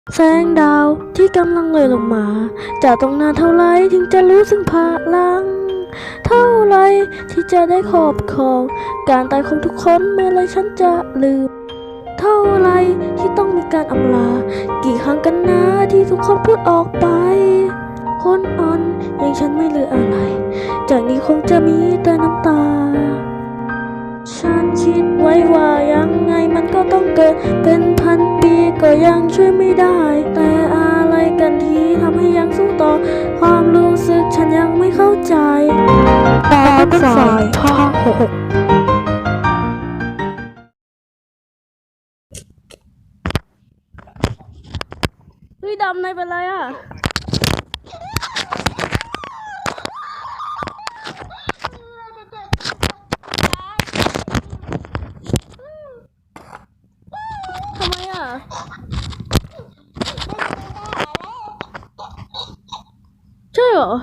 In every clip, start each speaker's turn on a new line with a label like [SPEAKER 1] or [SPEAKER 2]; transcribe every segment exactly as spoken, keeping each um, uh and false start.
[SPEAKER 1] แสงดาวที่กำลังเลยลงมาจะต้องนานเท่าไรถึงจะรู้สึกพลังเท่าไรที่จะได้ครอบครองการตายของทุกคนเมื่อไรฉันจะลืมเท่าไรที่ต้องมีการอำลากี่ครั้งกันนะที่ทุกคนพูดออกไปคนอ่อนอย่างฉันไม่เหลืออะไรจากนี้คงจะมีแต่น้ำตาฉันคิดไว้ว่ายังไงมันก็ต้องเกิดเป็นพันปีก็ยังช่วยไม่ได้แต่อะไรกันที่ทำให้ยังสู้ต่อความรู้สึกฉันยังไม่เข้าใจตาเป็นสายภาคหกเฮ้ยดำนายเป็นไรอ่ะทำไมอ่ะใช่เหรอ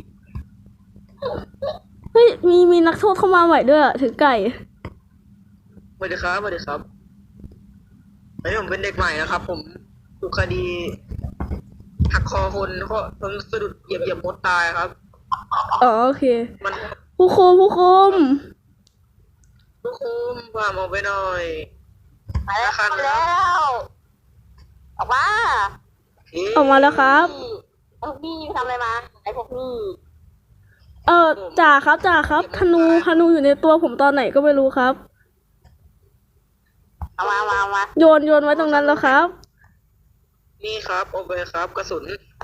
[SPEAKER 1] เฮ้ยมีมีนักโทษเข้ามาใหม่ด้วยอ่ะถือไก่
[SPEAKER 2] สวัสดีครับสวัสดีครับอันนี้ผมเป็นเด็กใหม่นะครับผมถูกคดีหักคอคนเพราะผมสะดุดเหยียบเหยียบมดตายครับ
[SPEAKER 1] อ๋อโอเค
[SPEAKER 2] มัน
[SPEAKER 1] ผู้คุมผู้คุม
[SPEAKER 2] ผู้คุมพาผมไปหน่อย
[SPEAKER 3] มาแล้วมาแล้วออกมา
[SPEAKER 1] ออกมาแล้วครับ
[SPEAKER 3] พวกนี่ทำอะไรมาไอ้พวกนี่
[SPEAKER 1] เออจ่าครับจ่าครับธนูธนูอยู่ในตัวผมตอนไหนก็ไม่รู้ครับ
[SPEAKER 3] เอามามามา
[SPEAKER 1] โยนโยนไว้ตรงนั้นแล้วครับ
[SPEAKER 2] นี่ครับโอเคครับกระสุน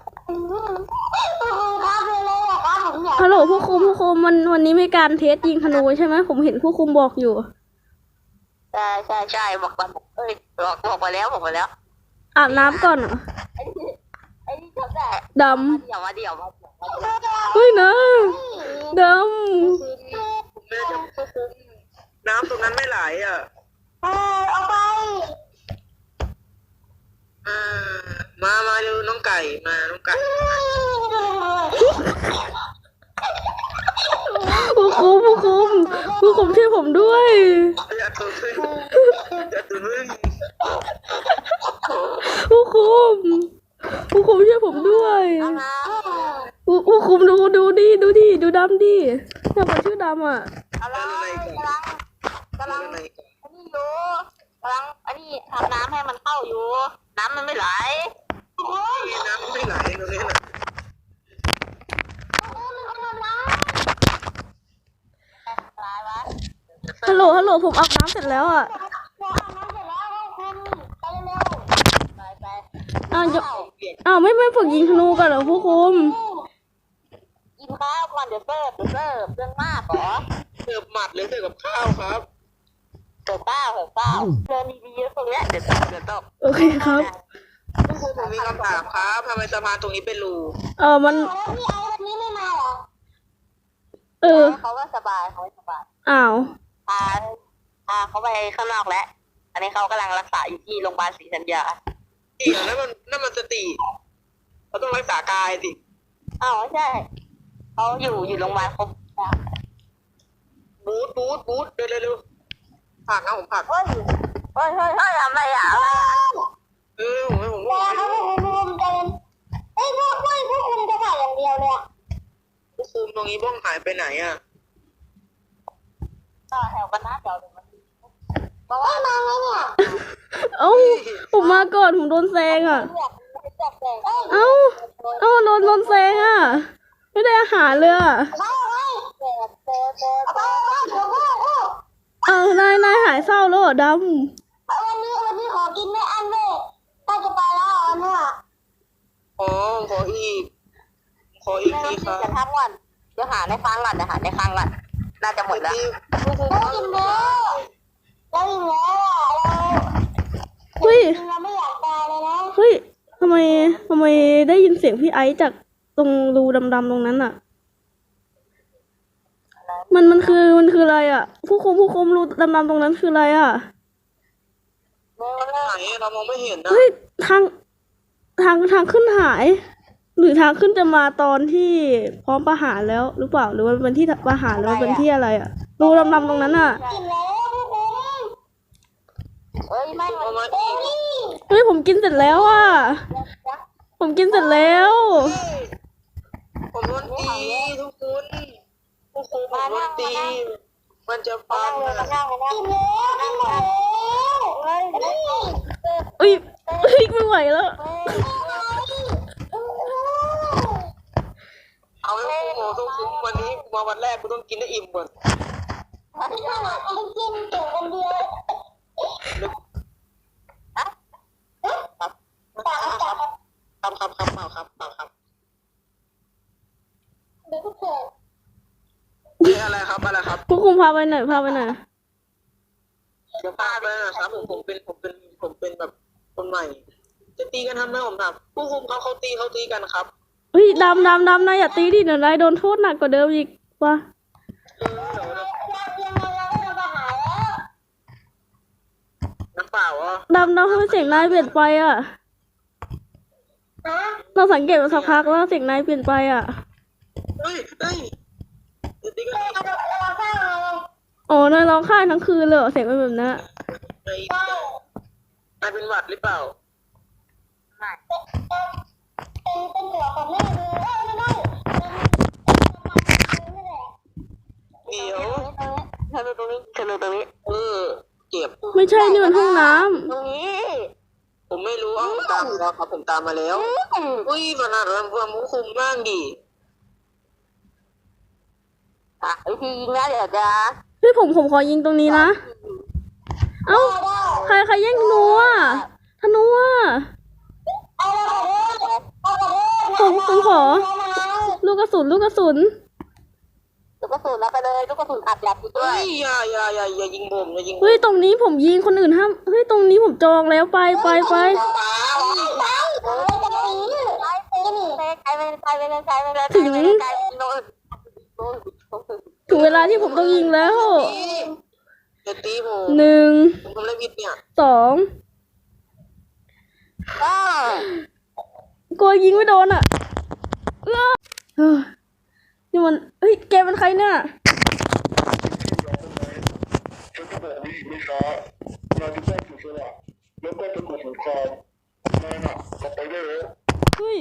[SPEAKER 1] ฮัลโหลผู้คุมผู้คุมมันวันนี้มีการเทสยิงธนูใช่ไหมผมเห็นผู้คุมบอกอยู่
[SPEAKER 3] ใช่ใช่ใช่บอกกันเอ้ยบอกบอกไปแล้วบอกไปแล้ว
[SPEAKER 1] อาบน้ำก่อนเหรอ
[SPEAKER 3] ไอ้นี่ไอ้นี่ทำได้
[SPEAKER 1] ดำ
[SPEAKER 3] เดี๋ยวมาเดี๋ยวมา
[SPEAKER 1] เฮ้ยนะด
[SPEAKER 2] แม่จะผู้คุมน้ำตรงนั้นไม่ไหลอ่ะ
[SPEAKER 3] เออเอาไป
[SPEAKER 2] อ่ามามาดูน้องไก่มาน้องไก่
[SPEAKER 1] ผู้คุมผู้คุมผู้คุมช่วยผมด้วย
[SPEAKER 2] อย่าตัวพึ่งอย่าตัวพึ่ง
[SPEAKER 1] ผู้คุมผู้คุมช่วยผมด้วยผู้ผู้คุมดูดูดิดูดิดูดำดิเนี่ยผมชื่อดำอ่ะ
[SPEAKER 3] กำลังกำลังกำลังอันนี้อยู่กำลังอันนี้ทำน้ำให้มันเข้าอยู่น้ำมันไม่ไหล
[SPEAKER 2] น้ำไม่ไหลตรงนี้นะ
[SPEAKER 1] ฮัลโหลฮัลโหลผมอาบน้ำเสร็จแล้วอ่ะอ้าวอ้าวไม่ไม่ฝึกยิงธนูกันเหรอผู้คุม
[SPEAKER 3] กินข้าวก่อนเดี๋ยวเสิร์ฟเดี๋ยวเสิร์ฟเรื่องมากเหรอ
[SPEAKER 2] เสิร์ฟหมัดหรือเสิร์ฟกับข้าวครับ
[SPEAKER 3] เสิร์ฟข้าวเสิร์ฟข้าวเดินดีๆเยอะตรงเนี้ยเดี๋ยวตกเดี๋ยวตก
[SPEAKER 1] โอเคครับ
[SPEAKER 2] ผู้คุมผมมีคำถามครับทำไมสะพานตรงนี้เป็นรู
[SPEAKER 1] เออมัน
[SPEAKER 3] พี่ไอ้วันนี้ไม่มาเหรอ
[SPEAKER 1] เออ
[SPEAKER 3] เขาว่าสบายเขาสบาย
[SPEAKER 1] อ้าว
[SPEAKER 3] พาพาเขาไปข้างนอกแล้วอันนี้เขากำลังรักษาอยู่ที่โรงพยาบาลศรีธัญญา
[SPEAKER 2] จริงเหรอนั่นมันนั่นมันสติเราต้องรักษากายสิ
[SPEAKER 3] อ้าวใช่เขาอยู่อยู่โรงพยาบาลครบ
[SPEAKER 2] บูทบูทบูทเร็วเร็วเร็วผักนะผมผัก
[SPEAKER 3] เฮ้ยเฮ้ยเฮ้ยเฮ้ยทำอะไรอ่ะ
[SPEAKER 2] เออผมให้ผม
[SPEAKER 3] ว่าเขาไม่คุมเดินเอ้ยพวกพวกพวกคุมจะถ่ายอย่างเดียวเลยอ่ะ
[SPEAKER 2] ผู้คุมตรงนี้บ้องหายไปไหนอ่ะ
[SPEAKER 3] ต่อแถวกันนะเดี๋ยวเดี๋ยวมันบอกว่ามาไงเนี่ย
[SPEAKER 1] เอ้าผมมาก่อนผมโดนแซงอ่ะเอ้าเอ้าโดนโดนแซงอ่ะไม่ได้อาหารเลยอ่ะเออนายนายหายเศร้าแล้วเหรอดำ
[SPEAKER 3] วันนี้วันนี้ขอกินไม่อั้นเลยถ้าจะไปแล้วอันเนี่ย
[SPEAKER 2] ขอขออีกขออีกทีครับ
[SPEAKER 3] จะทำก่อนเดี๋ยวหาในฟังก่อนเดี๋ยวหาในฟังก่อนน่าจะหมดแล้วได้กินแล้วได้กินแล้ว
[SPEAKER 1] เฮ้ย
[SPEAKER 3] เราไม่อยากตายเลยนะ
[SPEAKER 1] เฮ้ยทำไมทำไมได้ยินเสียงพี่ไอซ์จากตรงรูดำๆตรงนั้นอ่ะมันมันคือมันคืออะไรอ่ะผู้คุมผู้คุมรูดำๆตรงนั้นคืออะไรอ่ะ
[SPEAKER 2] ไหนเรามองไม่เห็นนะ
[SPEAKER 1] เฮ้ยทางทางทางขึ้นหายหรือทางขึ้นจะมาตอนที่พร้อมประหารแล้วหรือเปล่าหรือว่าเป็นที่ประหารหรือว่าเป็นที่อะไรอ่ะรูดำๆตรงนั้นอ่ะ
[SPEAKER 3] กินแล้วผู้คุมเฮ้ยไม่มัน
[SPEAKER 1] เฮ้ยผมกินเสร็จแล้วอ่ะ ผมกินเสร็จแล้ว
[SPEAKER 2] ผมโดนตีทุกคนทุกคนผมโดนตี มันจะพัง
[SPEAKER 3] มา
[SPEAKER 2] นะ
[SPEAKER 3] นั่งมานั่งมานั่งมานั่งเฮ้ยเฮ้ย
[SPEAKER 1] เอ้ยเฮ้ยไม่ไหวแล้ว
[SPEAKER 2] เอาไว้โอ้โหทุกคนวันนี้มาวันแรกกูต้องกินได้อิ่มก่อน
[SPEAKER 3] มันกินตัวคนเดียว
[SPEAKER 2] ครับครับครับครับครับครับครับครับ
[SPEAKER 3] เด็กผู้ชาย
[SPEAKER 2] เฮ้ยอะไรครับอะไรครับ
[SPEAKER 1] ผู้คุมพาไปหน่อยพาไปหน่อย
[SPEAKER 2] เดี๋ยวพาไปนะครับผมผมเป็นผมเป็นผมเป็นแบบคนใหม่ จะตีกันทำไมผมถามผู้คุมเขาเขาตีเขาตีกันครับ
[SPEAKER 1] เฮ้ยดำดำดำนายอย่าตีดิเดี๋ยวนายโดนโทษหนักกว่าเดิมอีกว่ะ
[SPEAKER 2] เออเดี๋ยวนะ
[SPEAKER 3] ยังไงเราก็จะมาหาแล้ว
[SPEAKER 2] น้ำเปล่าอ่ะ
[SPEAKER 1] ดำดำทำไมเสียงนายเปลี่ยนไปอ่ะ
[SPEAKER 3] ฮะ
[SPEAKER 1] เราสังเกตมาสักพักแล้วเสียงนายเปลี่ยนไปอ่ะ
[SPEAKER 2] เฮ้ยเฮ้ยจะตีกัน
[SPEAKER 3] เราเราเราสร้างอะไร
[SPEAKER 1] อ๋อนายร้องไห้ทั้งคืนเลยเหรอเสียงเป็นแบบนั้น
[SPEAKER 2] ไอ้นายเป็นหวัดหรือเปล่า
[SPEAKER 3] เป็นเป็นตัวของแม่ดูเอ้ยไม่ได้
[SPEAKER 2] เดี๋ยว
[SPEAKER 3] เธอดูตรงนี้เธอดูตรงนี้
[SPEAKER 2] เออเจ็บ
[SPEAKER 1] ไม่ใช่นี่มันห้องน้ำ
[SPEAKER 3] ตรงนี้
[SPEAKER 2] ผมไม่รู้เอาผมตามมาแล้วครับผมตามมาแล้วอุ้ยขนาดนั้นความคุมบ้างดิ
[SPEAKER 3] อ่ะวิธียิงนะเดี๋ยวจะ
[SPEAKER 1] เฮ้ยผมผมขอยิงตรงนี้นะ เอ้าใครใครแย่งธนูอ่ะธนูอ่ะ
[SPEAKER 3] เอาละเอาละ
[SPEAKER 1] ผมผมขอ ลูกกระสุนลูกกระสุน
[SPEAKER 3] ลูกกระสุนแล้วไปเลยลูกกระสุนอัดยัดอยู่ด้ว
[SPEAKER 2] เฮ้
[SPEAKER 3] ย
[SPEAKER 2] ยอย่าอย่าอย่าอย่ายิงผมอย่ายิงผม
[SPEAKER 1] เฮ้ยตรงนี้ผมยิงคนอื่นห้ามเฮ้ยตรงนี้ผมจองแล้วไปไปไป
[SPEAKER 2] ตาม
[SPEAKER 3] ไปเออจะไปไปตีนี่ไปไกลไปไกลไปเลยไกลไปเลยไกลไปเลยไกลไปโน่นโน่น
[SPEAKER 1] ถึงเวลาที่ผมต้องยิงแล้ว
[SPEAKER 2] อย่าตีผม
[SPEAKER 1] หนึ่ง
[SPEAKER 2] ผมทำอะไรผิดเนี่ย
[SPEAKER 1] สอง
[SPEAKER 3] อ้าว
[SPEAKER 1] กลัวยิงไม่โดนอ่ะเอ้อเฮ้ยนี่มันเฮ้ยแกเป็นใครเนี่ย
[SPEAKER 4] ฉันจะบอกไว้อีกไม่ช้านายจะต้องเสียสละแล้วก็จะกดสงครามนายน่ะกลับไปได้แล้ว
[SPEAKER 1] เฮ้ย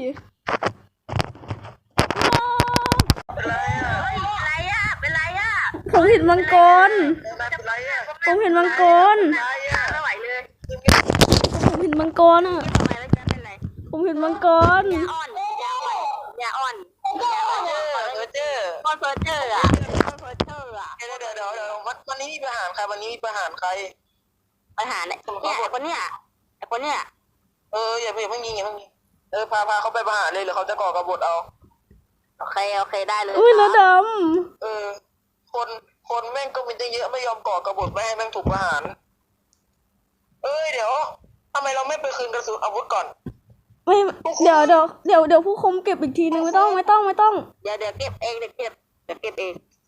[SPEAKER 2] อะไรอ่ะ
[SPEAKER 3] อะไรอ่ะเป็นไรอ่ะ
[SPEAKER 1] ผมเห็นมังกร
[SPEAKER 2] อะไรอ่ะ
[SPEAKER 1] ผมเห็นมังกร
[SPEAKER 2] อะไรอ่ะ
[SPEAKER 3] ไม่ไหวเลย
[SPEAKER 1] ผมเห็นมังกรอ่ะ
[SPEAKER 3] ทำไมแล้วจะเป็นไร
[SPEAKER 1] ผมเห็นมังกร
[SPEAKER 3] ยาอ่อนยาอ่อนยาอ่อนยาอ่อน
[SPEAKER 2] เจอเจอ
[SPEAKER 3] คอนเฟิร์เจอร์อ่ะคอนเฟิร์เจอร์อ่ะ
[SPEAKER 2] เดี๋ยวเดี๋ยวเดี๋ยวเดี๋ยววันวันนี้มีประหารใครวันนี้มีประหารใคร
[SPEAKER 3] ปัญหาเนี่ยเนี่ยไอ้คนเนี้ยไอ้คนเนี้ย
[SPEAKER 2] เอออย่าอย่าเพิ่งยิงอย่าเพิ่งยิงเออพาพาเขาไปประหารเลยหรือเขาจะก่อกบฏเอา
[SPEAKER 3] โอเคโอเคได้เลย
[SPEAKER 1] อุ้ยแล้วด
[SPEAKER 2] เออ คนคนแม่งก็มีตั้งเยอะไม่ยอมก่อกบฏไม่ให้แม่งถูกประหาร เอ้ยเดี๋ยวทำไมเราไม่ไปคืนกระสุนอาวุธก่อน
[SPEAKER 1] ำไม่เดี๋ยวเดี๋ยวเดี๋ยวเดี๋ยวผู้คุมเก็บอีกทีนึงไม่ต้องไม่ต้องไม่ต้อง
[SPEAKER 3] เดี๋ยวเดี๋ยวเก็บเองเดี๋ยวเก็บเดี๋ยวเก็บเอง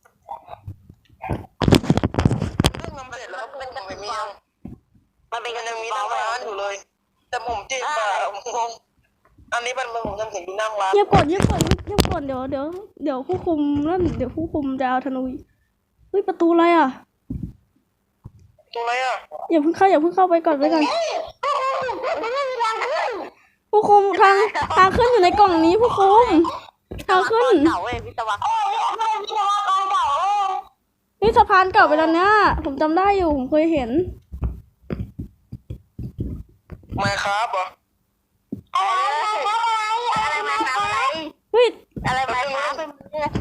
[SPEAKER 2] เรื่องมันเสร็จแล้วครับผมไม่มียัง
[SPEAKER 3] มันเป็น
[SPEAKER 2] มัน
[SPEAKER 3] กัน
[SPEAKER 2] ยังมี
[SPEAKER 3] ต่
[SPEAKER 2] นั่
[SPEAKER 3] อง ไป
[SPEAKER 2] ร้านอยู่เลย แต่ผมเจ็บอะผมงงอันนี้มันผมยังเห็นอยู่นั่งร้าน
[SPEAKER 1] เงียบก่อนเงียบก่อนเงียบก่อนเดี๋ยวเดี๋ยวเดี๋ยวผู้คุมนั่นเดี๋ยวผู้คุมจะเอาธนูอีกเฮ้ยประตูอะไรอ่ะ
[SPEAKER 2] ตรงไหนอ่ะ
[SPEAKER 1] อย่าเพิ่งเข้าอย่าเพิ่งเข้าไปก่อนไปก่อน
[SPEAKER 3] มันไม่มีทางขึ้น
[SPEAKER 1] ผู้คุมทางทางขึ้นอยู่ในกล่องนี้ผู้คุมทางขึ้น
[SPEAKER 3] เก่าเว้ยวิศวกรไม่วิศวกรเก่าเว้ย
[SPEAKER 1] นี่สะพานเก่าไปแล้วเนี่ยผมจำได้อยู่ผมเคยเห็น
[SPEAKER 2] ไม่ครับเหรอ
[SPEAKER 3] อะไรมาทำอะไร
[SPEAKER 1] เฮ้ย
[SPEAKER 3] อะไรมาทำเป็น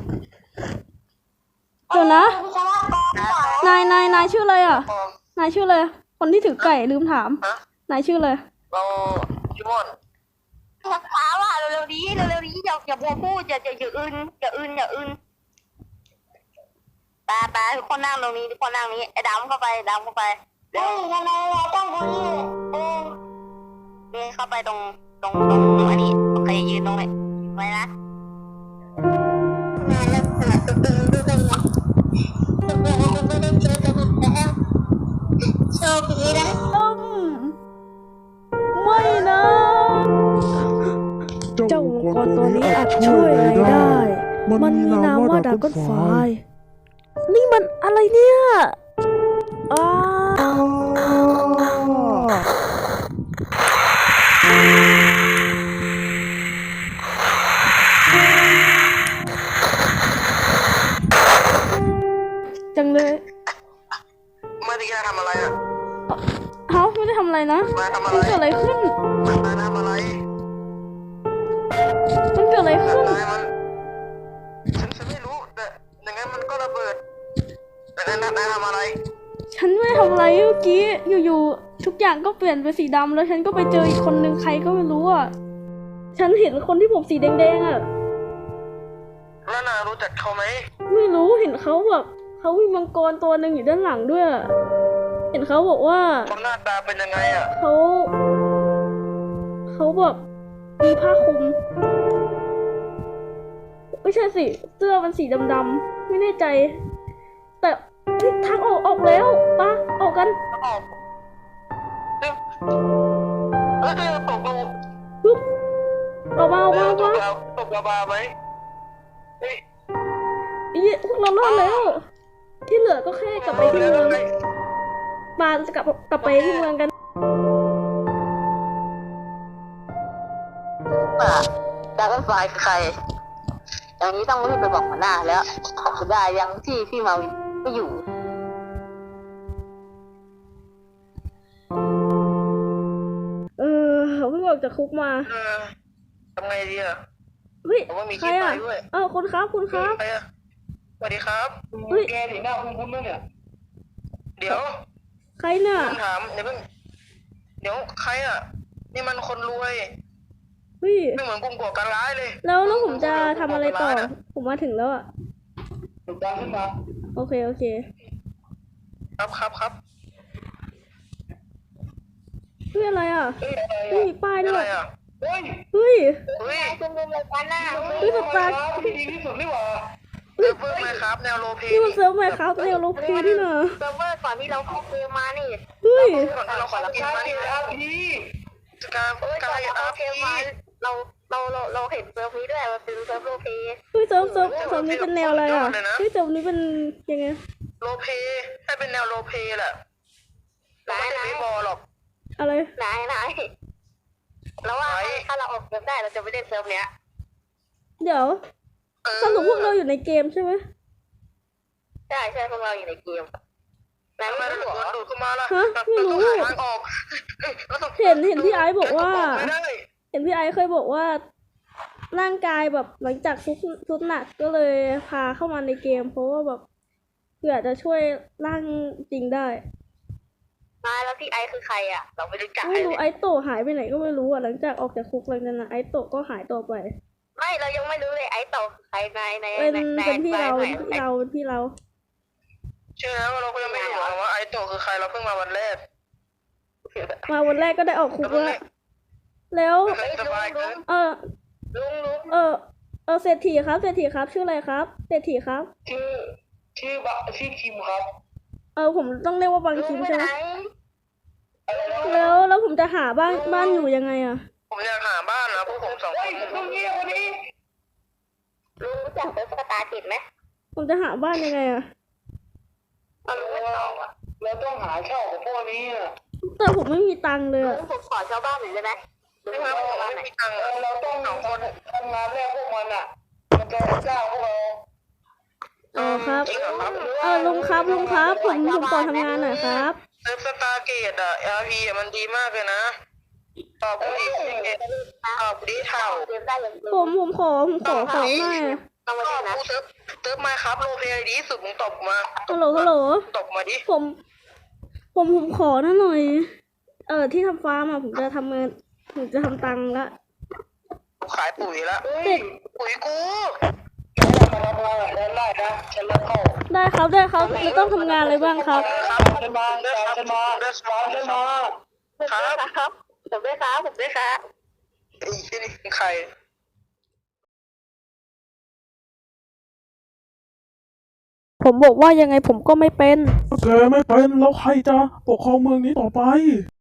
[SPEAKER 1] เดี๋ยวนะ
[SPEAKER 3] วิศวกรเก่าน
[SPEAKER 1] ายนายนายชื่ออะไรอ่ะ
[SPEAKER 2] ปอม
[SPEAKER 1] นายชื่ออะไรคนที่ถือไก่ลืมถาม
[SPEAKER 2] ฮะ
[SPEAKER 1] นายชื่ออะไร
[SPEAKER 2] เราชิมอน
[SPEAKER 3] ช้าว่ะเร็วๆนี้เร็วๆนี้อย่าอย่าบัวพูดอย่าอย่าอย่าอื่นอย่าอื่นอย่าอื่นตาตาทุกคนนั่งตรงนี้ทุกคนนั่งนี้ไอ้ดำเข้าไปดำเข้าไปเฮ้ยทำไมเราต้องตรงนี้เออเดินเข้าไปตรงตรงตรงอันนี้โอเคยืนตรงนี้ไว้นะโชคดีนะ
[SPEAKER 1] ต้มไม่นะ
[SPEAKER 4] เจ้า
[SPEAKER 1] เจ้า
[SPEAKER 4] มั
[SPEAKER 1] มั
[SPEAKER 4] ง
[SPEAKER 1] ง
[SPEAKER 4] ก
[SPEAKER 1] ก
[SPEAKER 4] ร
[SPEAKER 1] ร
[SPEAKER 4] ตั
[SPEAKER 1] ตัว ว
[SPEAKER 4] นี้
[SPEAKER 1] นี้
[SPEAKER 4] อา
[SPEAKER 1] อา
[SPEAKER 4] จ
[SPEAKER 1] จ
[SPEAKER 4] ช่
[SPEAKER 1] ช่
[SPEAKER 4] ว
[SPEAKER 1] วย ย
[SPEAKER 4] อะไร
[SPEAKER 1] อะไร
[SPEAKER 4] ได้
[SPEAKER 1] ได้
[SPEAKER 4] มั
[SPEAKER 1] มัน น
[SPEAKER 4] มี
[SPEAKER 1] มี
[SPEAKER 4] นาน
[SPEAKER 1] าม ม
[SPEAKER 4] ว่า
[SPEAKER 1] ว่า
[SPEAKER 4] ดา
[SPEAKER 1] ดา
[SPEAKER 4] ก้
[SPEAKER 1] ก้
[SPEAKER 4] อ
[SPEAKER 1] อน น
[SPEAKER 4] ไฟ
[SPEAKER 1] ไฟนี่มันอะไรเนี่ยอ้าวงก็เปลี่ยนเป็นสีดำแล้วฉันก็ไปเจออีกคนนึงใครก็ไม่รู้อ่ะฉันเห็นคนที่ผมสีแดงๆอ่ะ
[SPEAKER 2] แล้วนารู้จักเขาไหม
[SPEAKER 1] ไม่รู้เห็นเขาแบบเขามีมังกรตัวหนึ่งอยู่ด้านหลังด้วยอะเห็นเขาบอกว่า
[SPEAKER 2] เขาหน้าตาเป็นยังไงอ่ะ
[SPEAKER 1] เขาเขาแบบมีผ้าคลุมไม่ใช่สิเสื้อมันสีดำๆไม่แน่ใจ แต่เฮ้ยทางออกออกแล้วปะออกกัน
[SPEAKER 2] ออกเฮ้ยเฮ้ยตกลง
[SPEAKER 1] ปึ๊บออกมาออก
[SPEAKER 2] เฮ้
[SPEAKER 1] มาย ออก
[SPEAKER 2] ต
[SPEAKER 1] มาก
[SPEAKER 2] แล้วตกระบาไหมเฮ้ย
[SPEAKER 1] อีพวกเรารอดแล้ว ที่เหลือก็แค่กลับไปที่เมืองปาจะกลับกลับไปที่เมืองกัน
[SPEAKER 3] ป่ะดราก้อนไฟคือใคร อย่างนี้ต้องรีบไปบอกหัวหน้าแล้วจะได้ยังที่พี่มาวินไม่อยู่
[SPEAKER 1] เออเขาเพิ่งออกจากคุกมา
[SPEAKER 2] เออทำไงดีอ่ะ
[SPEAKER 1] เฮ้ย
[SPEAKER 2] ผมว่ามี
[SPEAKER 1] ใครอ่ะ
[SPEAKER 2] ที่ไปด้วย
[SPEAKER 1] เออคุณครับคุณครับ
[SPEAKER 2] ใครอ่ะสวัสดีครับ
[SPEAKER 1] เฮ้ย
[SPEAKER 4] แกสีหน้าคุ้นๆมั้งเนี่ย
[SPEAKER 2] เดี๋ยว
[SPEAKER 1] ใครเนี่ย
[SPEAKER 2] ผมถามเดี๋ยวเพิ่งเดี๋ยวใครอ่ะ นี่มันคนรวย
[SPEAKER 1] เฮ้ย
[SPEAKER 2] ไม่เหมือนกลุ่มก่อการร้ายเลย
[SPEAKER 1] แล้วแล้วผมจะทำอะไรต่อ ผมมาถึงแล้วอ่ะ
[SPEAKER 4] ถูกตามขึ้นมา
[SPEAKER 1] โอเคโอเค
[SPEAKER 2] ครับครับครับ
[SPEAKER 1] เฮ้ยอะไรอ่ะ
[SPEAKER 4] เฮ้ยอะไร
[SPEAKER 1] เฮ้ย
[SPEAKER 4] อ่ะ
[SPEAKER 1] มีป้าย
[SPEAKER 2] อะ
[SPEAKER 1] ด้ว
[SPEAKER 2] ไร
[SPEAKER 1] ย
[SPEAKER 2] อ่ะ
[SPEAKER 4] เฮ้ย
[SPEAKER 1] เฮ้ย
[SPEAKER 2] เฮ้ย
[SPEAKER 3] คุณเป็นรายการหน้า
[SPEAKER 1] เฮ้ยสตาร์
[SPEAKER 4] ที่ดีที่สุดนี่หว่า
[SPEAKER 2] เซิร์ฟเวอร์ไหมครับ แนวโลเพ
[SPEAKER 1] นี่มันเซิร์ฟไหมครับเนวโลพีนี่นะ
[SPEAKER 3] เซิร์ฟเวอร์ก่อนที่เราเข้าเกมมานี่
[SPEAKER 1] เฮ้ย
[SPEAKER 2] ก่อนที่เราขอกิน
[SPEAKER 4] ชา
[SPEAKER 2] มา
[SPEAKER 4] เก
[SPEAKER 2] นี่
[SPEAKER 4] ตอาร์พี
[SPEAKER 2] การ
[SPEAKER 3] เอ้ย
[SPEAKER 2] กา
[SPEAKER 3] ก่อน
[SPEAKER 2] ร
[SPEAKER 3] ที่เรา
[SPEAKER 2] อา
[SPEAKER 3] เข้า
[SPEAKER 2] ร์
[SPEAKER 3] เก
[SPEAKER 2] พี
[SPEAKER 3] มมาเราเราเราเราเห็นเซิร์ฟนี้ด้วยมันเป็นเซิร์ฟโลเพ
[SPEAKER 1] เฮ้ยเซิร์ฟเซิร์ฟเซิร์ฟนี้เป็นแนวอะไรอ่ะเฮ้ยเซิร์ฟนี้เป็นยังไง
[SPEAKER 2] โลเพให้เป็นแนวโลเพแหละ
[SPEAKER 3] ไหน
[SPEAKER 2] ไม่
[SPEAKER 3] ไหน
[SPEAKER 2] ใช่เบสบอลหรอก
[SPEAKER 1] อะไร
[SPEAKER 3] ไหนไหนแล้วว่าถ้าเราออกเกมได้เราจะไม่เล่นเซิร์ฟเนี้ย
[SPEAKER 1] เดี๋ยว
[SPEAKER 2] เออ
[SPEAKER 1] สรุปพวกเราอยู่ในเกมใช่ไหม
[SPEAKER 3] ใช่ใช่พวกเราอยู่ในเกมไหน
[SPEAKER 2] ทำไม
[SPEAKER 3] ไม่
[SPEAKER 2] เรา
[SPEAKER 3] รู้
[SPEAKER 2] ถึง
[SPEAKER 3] เหรอ
[SPEAKER 2] โดนดูดเข้ามาล่ะ
[SPEAKER 1] ฮะไม่รู้
[SPEAKER 2] เราต้องหาทางออกราต้อง
[SPEAKER 1] เห็นเห็นพี่ไอซ์บอกว่า
[SPEAKER 2] ไม่ได้
[SPEAKER 1] เห็นพี่ไอซ์เคยบอกว่า ร่างกายแบบหลังจากซุดซุดหนักก็เลยพาเข้ามาในเกม เพราะว่าแบบเผื่อจะช่วยร่างจริงได้
[SPEAKER 3] มาแล้วพี่ไอซ์คือใครอ่ะ เราไม่รู้จัก
[SPEAKER 1] ไม่รู้
[SPEAKER 3] เลย
[SPEAKER 1] ไอโตะหายไปไหนก็ไม่รู้อ่ะหลังจากออกจากคุกหลังจากนั้นไอโตะก็หายตัวไป
[SPEAKER 3] ไม่เรายังไม่รู้เลยไอซ์ต่อใครในใน
[SPEAKER 1] เป็น
[SPEAKER 3] ในใน
[SPEAKER 1] เป็นพี่เรา
[SPEAKER 3] ใน
[SPEAKER 1] เป็นพี่เราเป็นพี่เรา
[SPEAKER 2] เชื่อแล้วเราก็ยังไม่รู้หรอกว่าไอโตะคือใครเราเพิ่งมาวันแรก
[SPEAKER 1] มาวันแรกก็ได้ออกคุกแล้วแล้ว
[SPEAKER 2] สบายเกิน
[SPEAKER 1] เออ
[SPEAKER 3] ลุงลุง
[SPEAKER 1] เออเออเศรษฐีครับเศรษฐีครับชื่ออะไรครับเศรษฐีครับ
[SPEAKER 4] ชื่อชื่อบะชื่อคิมครับ
[SPEAKER 1] เออผมต้องเรียกว่าบาง
[SPEAKER 3] ลุ
[SPEAKER 1] คิ
[SPEAKER 3] ง
[SPEAKER 1] ม
[SPEAKER 3] ไป
[SPEAKER 1] ใช่ไห
[SPEAKER 3] ไห
[SPEAKER 1] ม
[SPEAKER 3] น
[SPEAKER 4] อะไรนะ
[SPEAKER 1] แล้วแล้วผมจะหาบ้านบ้านอยู่ยังไงอ่ะ
[SPEAKER 2] ผมอยากหาบ้านนะพวกผมสองค
[SPEAKER 4] เฮ้ย
[SPEAKER 2] น
[SPEAKER 4] ตรงนี้คนนี้
[SPEAKER 3] ลุงรู้จักเซิร์ฟสตาร์กิจไหม
[SPEAKER 1] ผมจะหาบ้านยังไงอ่ะ
[SPEAKER 3] เอาลุงไม่ตอบอ่ะ
[SPEAKER 4] เราต้องหาเช่าของพวกนี้อ่ะ
[SPEAKER 1] แต่ผมไม่มีตังค์เลย
[SPEAKER 3] ลุ
[SPEAKER 1] อะ
[SPEAKER 3] งผมขอชาวบ้านหน่อยได้ไหมลุง
[SPEAKER 2] ไม่
[SPEAKER 3] ขอ
[SPEAKER 2] ว่าผม
[SPEAKER 3] ชาวบ้าน
[SPEAKER 2] ไม่
[SPEAKER 3] หน่อย
[SPEAKER 2] มีตังค์
[SPEAKER 4] เออเราต้องสองคนทำงานแรกพวกมันอ่ะ มันจะจ้างพวกเรา
[SPEAKER 1] อ๋อครับ
[SPEAKER 2] จริงเหรอครับ
[SPEAKER 1] เออลุงครับลุงครับ ผมผมขอทำงานหน่อยครับ
[SPEAKER 2] เซิร์ฟสตาร์เกตอะอาร์พีอะมันดีมากเลยนะตอบกูดิตอบกูดิเท่า
[SPEAKER 3] เกมได้ยัง
[SPEAKER 1] ผมผมขอผมขอของหน่อย
[SPEAKER 3] ต้องมา
[SPEAKER 2] ต
[SPEAKER 3] เล่
[SPEAKER 2] อบ
[SPEAKER 3] นนะ
[SPEAKER 2] กูเซิร์ฟเซิร์ฟมาครับโลเพย์ดีสุดมึงตบมา
[SPEAKER 1] ฮัลโหลฮัลโหล
[SPEAKER 2] ตบมาดิ
[SPEAKER 1] ผม ผมผมขอหน่อยหน่อย เออที่ทำฟาร์มอะผมจะทำเงินผมจะทำตังค์ละ
[SPEAKER 2] กูขายปุ๋ยละ
[SPEAKER 4] เฮ้ย
[SPEAKER 1] เด็ก
[SPEAKER 2] ปุ๋ยกู
[SPEAKER 4] แกมาทำงานกับฉันได้นะฉันรับเข้า
[SPEAKER 1] ได้ครับได้ครับจะต้องทำงานอะไรบ้างครับ
[SPEAKER 2] ครับ
[SPEAKER 4] ฉันมาฉันมาฉันมา
[SPEAKER 2] ครับ
[SPEAKER 3] ครับผมด้วยครับผมด้วยครับ
[SPEAKER 2] ไอ้ที่นี่ใคร
[SPEAKER 1] ผมบอกว่ายังไงผมก็ไม่เป็น
[SPEAKER 5] แกไม่เป็นแล้วใครจะปกครองเมืองนี้ต่อไป